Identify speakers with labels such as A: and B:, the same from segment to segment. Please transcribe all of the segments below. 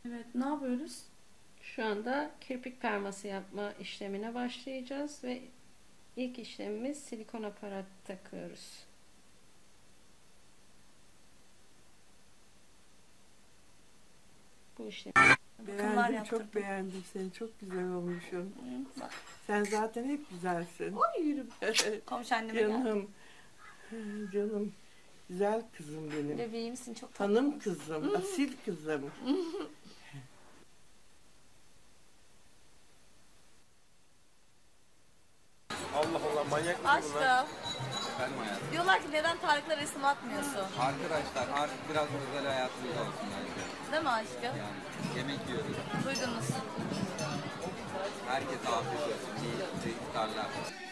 A: Evet, ne yapıyoruz?
B: Şu anda kirpik perması yapma işlemine başlayacağız ve ilk işlemimiz silikon aparat takıyoruz. Bu işlemi.
A: Bakımlar
C: Beğendim,
A: yaptırdım.
C: çok beğendim seni. Çok güzel olmuşsun.
A: Bak,
C: Sen zaten hep güzelsin.
A: oy yürü. Komşu anneme geldi.
C: Canım, canım. Güzel kızım benim.
A: Bebeğimsin, çok tatlı.
C: Hanım kızım, asil kızım.
D: Allah Allah, manyak mısın bunlar?
A: Aşkım,
D: Efendim hayatım.
A: diyorlar ki neden Tarık'la resim atmıyorsun?
D: Arkadaşlar artık biraz özel hayatımız olsun bence.
A: Değil mi aşkım?
D: Yani yemek yiyoruz.
A: Duydunuz.
D: Herkese afiyet olsun. İyi iftarlar.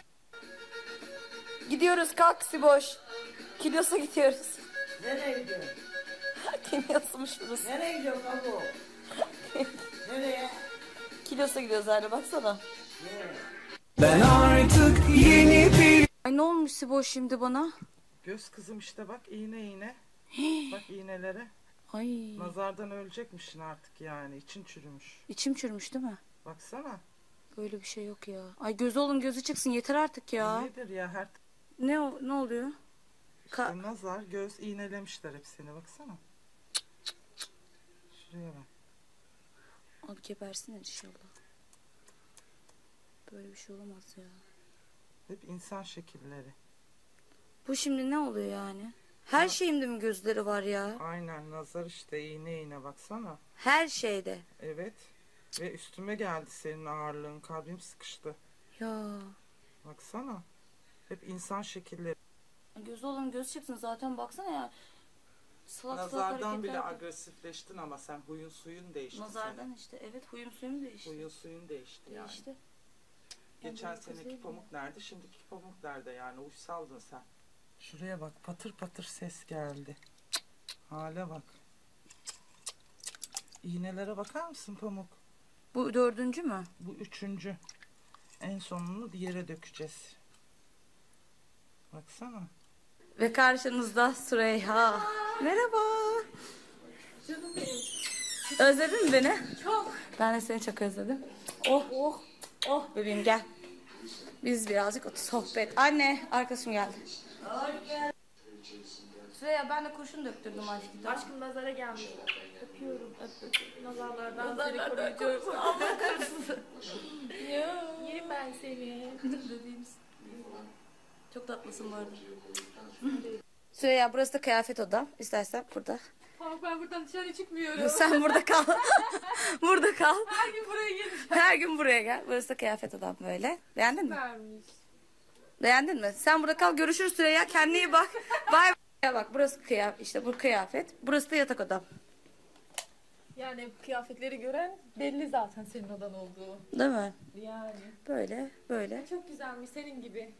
A: Gidiyoruz, kalk Siboş. Kilyos'a gidiyoruz.
E: Nereye gidiyorsun?
A: Kilyos'muş burası.
E: Nereye gidiyorsun kabuğu? Nereye?
A: Kilyos'a gidiyoruz anne, baksana.
F: Ben artık yeni bir...
A: Ay ne olmuş Siboş şimdi bana?
C: Göz kızım işte bak iğne. Bak iğnelere.
A: Ay,
C: Nazardan ölecekmişsin artık yani. İçin çürümüş.
A: içim çürümüş değil mi?
C: Baksana.
A: Böyle bir şey yok ya. Ay gözü olun gözü çıksın yeter artık ya.
C: Nedir ya her
A: Ne oluyor?
C: işte nazar, göz iğnelemişler hepsini. Baksana. Şuraya bak.
A: Al gebersin inşallah. Böyle bir şey olamaz ya.
C: Hep insan şekilleri.
A: Bu şimdi ne oluyor yani? Her şeyimde mi gözleri var ya?
C: Aynen nazar işte iğne baksana.
A: Her şeyde.
C: Evet. Ve üstüme geldi senin ağırlığın. Kalbim sıkıştı.
A: Ya.
C: Baksana. Hep insan şekilleri.
A: Gözü olan göz çıksın zaten baksana ya. Salak salak
C: Nazardan bile
A: hareketler.
C: agresifleştin ama sen huyun suyun değişti.
A: Nazardan işte. Evet huyum suyum değişti.
C: Senin. Huyun suyun değişti yani.
A: Değişti.
C: Geçen
A: böyle kız
C: seneki
A: değilim
C: pamuk nerede? Şimdiki pamuk nerede yani? Uysaldın sen. Şuraya bak patır patır ses geldi. Hale bak. İğnelere bakar mısın pamuk?
A: Bu dördüncü mü?
C: Bu üçüncü. En sonunu yere dökeceğiz. Baksana.
A: Ve karşınızda Süreyya. Merhaba. Özledin mi beni? Çok. Ben de seni çok özledim. Oh bebeğim gel. Biz birazcık sohbet. Anne arkadaşım geldi. Süreyya ben de kurşun döktürdüm aşkım.
G: Aşkım nazara gelmiş. Öpüyorum. Nazarlardan seni koruyacağım. Yerim ben seni.
A: Bebeğimiz. Çok tatlısın bu arada. Süreyya burası da kıyafet odam. İstersen burada.
G: Ama ben buradan dışarı çıkmıyorum.
A: Sen burada kal. Burada kal.
G: Her gün buraya geleceğim.
A: Her gün buraya gel. Burası da kıyafet odam böyle. Beğendin mi?
G: Vermiş.
A: Beğendin mi? Sen burada kal. Görüşürüz Süreyya. Kendine iyi bak. Bay bay. Bak burası kıyafet. İşte bu kıyafet. Burası da yatak odam.
G: Yani kıyafetleri gören belli zaten senin odan olduğu.
A: Değil mi?
G: Yani.
A: Böyle.
G: Çok güzelmiş senin gibi.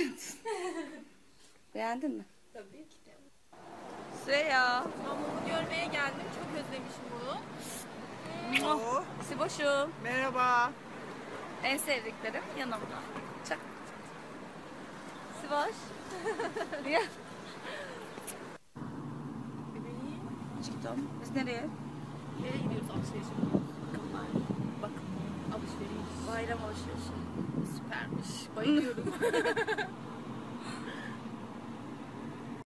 A: Beğendin mi?
G: Tabii ki de.
A: Süreyya.
G: Mamumu görmeye geldim. Çok özlemişim bunu.
C: Oo,
A: Siboş'um.
C: merhaba.
A: En sevdiklerim yanımda. Çak. Siboş. Ya.
G: Bebeğim.
A: Çıktım. Biz nereye?
G: Nereye gidiyoruz alışverişe? Bakın alışveriş.
A: Bayram alışverişi.
G: Süpermiş. Bayılıyorum.